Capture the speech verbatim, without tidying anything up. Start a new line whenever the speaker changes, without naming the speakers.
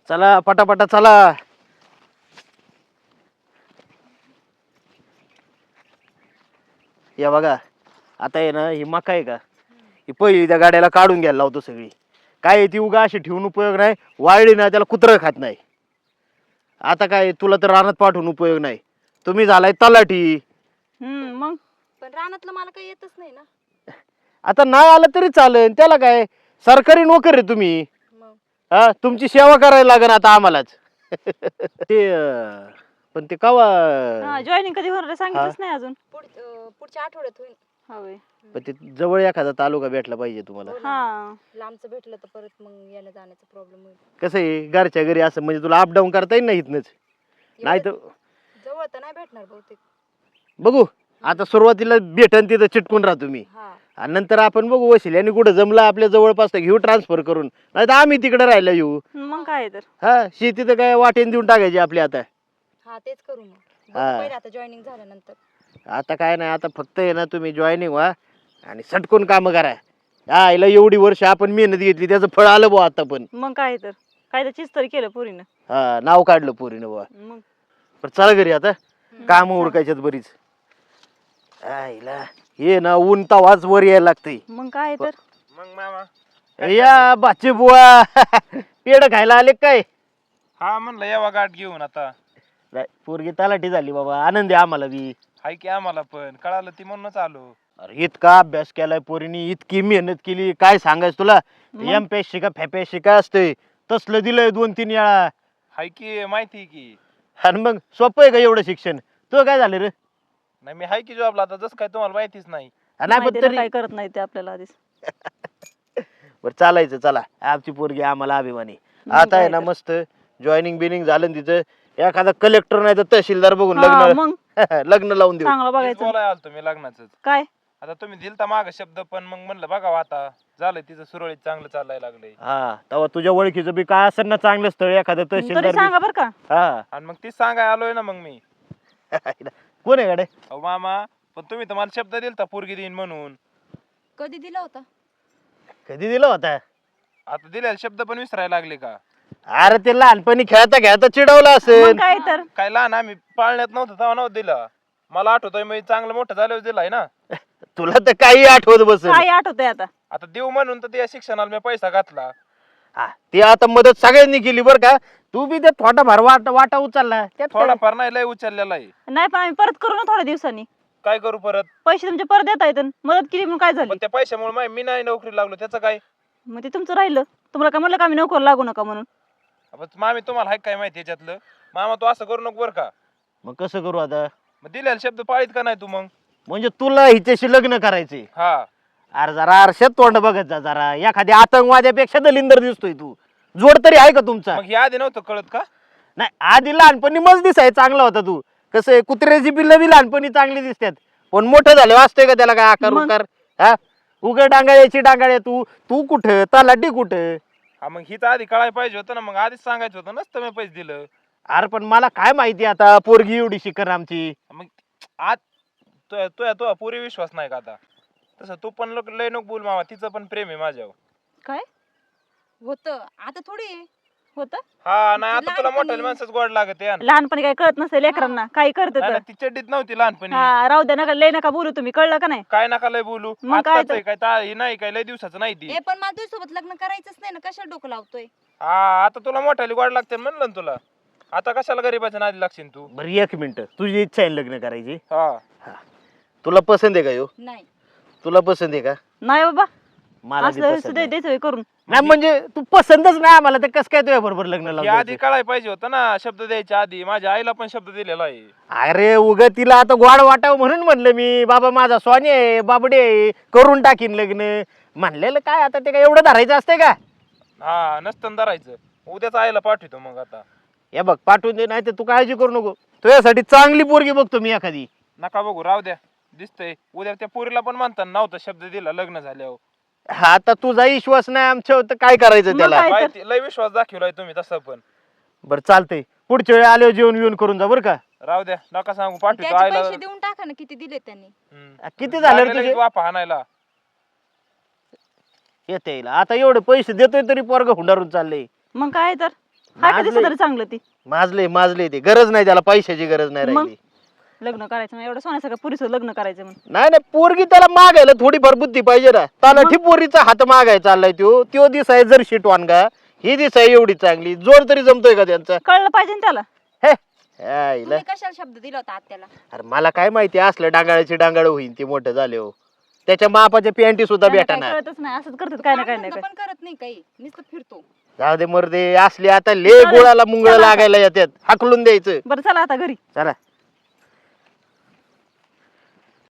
चला पटापटा चला. या बघा आता आहे ना ही मका आहे का, ही पहिली त्या गाड्याला काढून घ्यायला लावतो सगळी. काय आहे ती उगा अशी ठेवून उपयोग नाही, वाळली ना त्याला कुत्रं खात नाही. आता काय तुला तर रानात पाठवून उपयोग नाही, तुम्ही झालाय तलाठी.
हम्म मग
पण रानातलं मला काही येतच नाही ना.
आता नाही आलं तरी चालेल, त्याला काय सरकारी नोकर आहे तुम्ही.
मग
हा तुमची सेवा करायला लागेल आता आम्हालाच. ते अं, पण ते कवा
हा जॉईनिंग कधी होणार आहे सांगितलंच नाही अजून.
पुढ अं, पुढच्या आठवड्यात होईल.
हवे
पण ते जवळ एखादा तालुका भेटला पाहिजे तुम्हाला.
हो ना.
हा
लांबचं भेटलं तर परत मग यायला जाण्याचा प्रॉब्लेम होईल.
कसं आहे घरच्या घरी असं म्हणजे तुला अपडाऊन करता येईल ना इथनच. नाही तर
एवढं जवळ तर नाही भेटणार बहुतेक.
बघू आता सुरुवातीला भेटन तिथं चिटकून राहा तुम्ही,
हा
आणि नंतर आपण बघू वशिल आणि कुठं जमलं आपल्या जवळपास तर घेऊ ट्रान्सफर करून, नाही तर आम्ही तिकडे राहायला येऊ.
मग काय तर
हा शेती तर काय वाटेन देऊन टाकायची आपली आता.
हा तेच करू मग. बघू
हा.
पहिले आता जॉईनिंग झाल्यानंतर.
आता काय नाही, आता फक्त आहे ना तुम्ही जॉईनिंग व्हा आणि सटकून कामं करा. हा हिला एवढी वर्ष आपण मेहनत घेतली त्याचं फळ आलं बुवा आता. पण
मग काय तर काय तर चीज तरी केलं पोरीनं.
हा नाव काढलं पोरीनं बुवा.
मग
पण चला घरी आता, काम उरकायच्यात बरीच. हा हिला हे ना ऊन तवाच वर यायला लागतंय.
मग काय तर
मग मामा
या बाचे बुवा पेड खायला आले काय?
हा म्हणलं यावा गाठ घेऊन आता.
नाही, पोरगी तलाठी झाली बाबा, आनंद आहे आम्हाला बी.
हाय की आम्हाला पण कळालं ती म्हणूनच आलो.
अरे इतका अभ्यास केलाय पोरीनी, इतकी मेहनत केली, काय सांगायचं तुला.
मग?
एम पी एस सी का फॅपॅसी का असतंय तसलं दिलंय दोन तीन वेळा.
हाय की माहिती आहे की.
आणि मग सोपं आहे का एवढं शिक्षण? तुझं काय झालं रे?
नाही मी हाय की जॉबला आता, जसं काय तुम्हाला माहितीच नाही.
हा, नाही पण
माहिती ना
तरी
काय करत नाही ते आपल्याला आधीच.
बरं चालायचं. चला आमची पोरगी आम्हाला अभिमानी.
मग
आता आहे
काय
ना
तर.
मस्त जॉईनिंग बिनिंग झालं ना तिचं, एखादा कलेक्टर नाही तर तहसीलदार बघून
हा,
लग्न
मग
लग्न लावून देऊ.
चांगलं
तेच
बघायचं.
बोलाय आलतो मी लग्नाच.
काय
आता तुम्ही दिलता माग शब्द, पण मग म्हणलं बघावं आता झालंय तिचं सुरळीत चांगलं चालायला लागलंय.
हा तेव्हा तुझ्या ओळखीचं बी काय असेल ना चांगलं स्थळ एखादं
तरी
तहसीलदार
सांगा
बी-
बर का.
हा
आणि मग तीच सांगाय आलोय ना मग मी.
कोण आहे गाडे?
अहो मामा पण तुम्ही तर मला शब्द दिलता पोरगी देईन म्हणून.
कधी दिला होता?
कधी दिला होता?
आता दिलेला शब्द पण विसरायला लागले का?
अरे ते लहानपणी खेळता खेळता चिडवलं
मग
असेल.
काय तर
काय लहान आम्ही पाळण्यात नव्हतं तेव्हा नव्हतं दिला. मला आठवतोय मी चांगलं मोठं झाल्यावर दिलाय ना.
तुला तर काही आठवत बसेल.
काय आठवतंय आता.
आता देऊ म्हणून तर त्या शिक्षणाला मी पैसा घातला.
हा, ती आता मदत सगळ्यांनी केली बरं का. तू बी ते थोडाफार वाटा वाटा उचलला त्यात काय?
थोडाफार नाही लय उचललेला आहे.
नाही पण आम्ही परत करू ना थोड्या दिवसांनी.
काय करू परत?
पैसे तुमचे परत देता येतात. मदत केली म्हणून काय झालं?
पण त्या पैशामुळे मी नाही नोकरी लागलो त्याचं काय?
मग ते तुमचं राहिलं. तुम्हाला काय म्हणलं का आम्ही नोकर लागू नका म्हणून?
अब मामी तुम्हाला हाय काय माहिती याच्यातलं? मामा तू असं करू नको बरं का.
मग कसं करू आता?
मग दिलेला शब्द पाळीत का नाही तू मग?
म्हणजे तुला हिच्याशी लग्न करायचे?
हा
अरे जरा आरशात तोंड बघत जा जरा, एखाद्या आतंकवाद्यापेक्षा दलिंदर दिसतोय तू. जोड तरी आहे का तुमचा?
मग हे आधी नव्हतं कळत का?
नाही आधी लहानपणी मज दिसाय चांगला होता तू. कसं आहे कुत्र्याची पिल्लं बी लहानपणी चांगली दिसतात, पण मोठं झालं वाचतोय का त्याला काय आकार
मग?
उकार? हा उघड डांगाळ्याची डांगाळ्या तू तू कुठं तलाठी कुठं?
हा मग हिच आधी कळायला पाहिजे होतं ना. मग आधीच सांगायचं होतं नसतं मी पैसे दिलं.
अरे पण मला काय माहिती आता पोरगी एवढी शिकर आमची.
मग आज तो तो तो पुरी विश्वास नाही का आता? तसं तू पण लोक लय नको बोल मामा, तिचं पण प्रेम आहे माझ्यावर.
काय
होतं आता थोडी आहे.
होतं?
हा नाही आता तुला
लहानपणी-
मोठ्या माणसाच गोड लागत आहे.
लहानपणी काही कळत नसेल लेकरांना. काही करत
नाही, नाही, ती चड्डीत नव्हती लहानपणी.
हा राहू द्या नका लय नका बोलू तुम्ही. कळलं का नाही?
काय नका लय बोलू.
मग काय
आत्ताच
तर?
आहे काय ता- हे नाही काय लय दिवसाचं नाही ती.
ए पण मला तुझ्यासोबत लग्न करायचंच नाही ना, कशाला डोकं लावतोय?
हा आता तुला मोठ्याली गोड लागते म्हणलं ना तुला. आता कशाला गरीबाच्या नादी लागशील तू?
बरं एक मिनिट, तुझी इच्छा आहे ना लग्न करायची?
हा
तुला पसंत आहे का यो?
नाही.
तुला पसंत आहे का?
नाही बाबा
मला बी
असं
पसंत
सुद्धा
आहे.
द्यायचं होय करून.
नाही म्हणजे तू पसंतच नाही आम्हाला तर कसं काय तुझ्या बरोबर लग्न
हे
लावून
आधी
द्यायचं?
कळायला पाहिजे होतं ना शब्द द्यायच्या आधी. माझ्या आईला पण शब्द दिलेला आहे.
अरे उग तिला आता गोड वाटावं म्हणून म्हणलं मी. बाबा माझा स्वानी आहे बाबडे आहे करून टाकीन लग्न म्हणलेलं. काय आता ते काय एवढं धरायचं असतंय का?
हा नसतं धरायचं. उद्याच आईला पाठवतो मग आता.
हे बघ पाठवून दे, नाही तर तू काळजी करू नको. तुझ्यासाठी चांगली पोरगी बघतो मी एखादी.
नका बघू राहू द्या. दिसतंय उद्या त्या पोरीला पण म्हणतात नव्हता शब्द दिला लग्न झाल्यावर.
हा आता तुझा विश्वास नाही आमच्यावर तर काय करायचं
मग
त्याला?
काय? तर.
माहिती लय विश्वास दाखवलाय तुम्ही तसं पण.
बरं चालतंय, पुढच्या वेळी आल्यावर जेवण बिवून करून जा बरं का.
राहू द्या नका सांगू पाठवतो
त्याचे
आईला.
पैसे देऊन टाका ना, किती दिले त्यांनी.
हम्म.
किती झाले रे
लागले
तुझे?
लगेच वापा हाणायला.
येते येईल आता एवढे पैसे देतोय तरी पोरग हुंडारून चाललंय.
मग काय तर हाय का
माजलंय.
दिसत तरी चांगलं ती
माजले माजले ते गरज नाही त्याला पैशाची गरज नाही
मग?
राहिली
लग्न करायचं मग एवढं सोन्यासारखं पुरीचं लग्न करायचं म्हणून
नाही नाही पोरगी त्याला मागायला थोडीफार बुद्धी पाहिजे ना तलाठी पोरीचा हात मागाय चाललाय तो त्यो दिसाय जर शीट वानगा ही दिसाय एवढी चांगली जोर तरी जमतोय का त्यांचा
कळलं पाहिजे ना त्याला
हे आईला.
तुम्ही कशाला शब्द दिला होता आत्याला?
अरे मला काय माहिती असलं डांगाळाची डांगाळ होईन ते मोठं झाले हो त्याच्या बापाच्या पॅन्टी सुद्धा
त्यांना
भेटा
काय
ना
कळतच नाही असंच करतात काय ना काय ना
कामधंदा
काय
पण करत नाही काही, नुसतं फिरतो.
जाऊ दे मर्दे असले आता ले
चालेल.
गोळाला मुंगळ
चला आता.
लागायला येतात हाकलून द्यायचं
बरं चला आता घरी
चला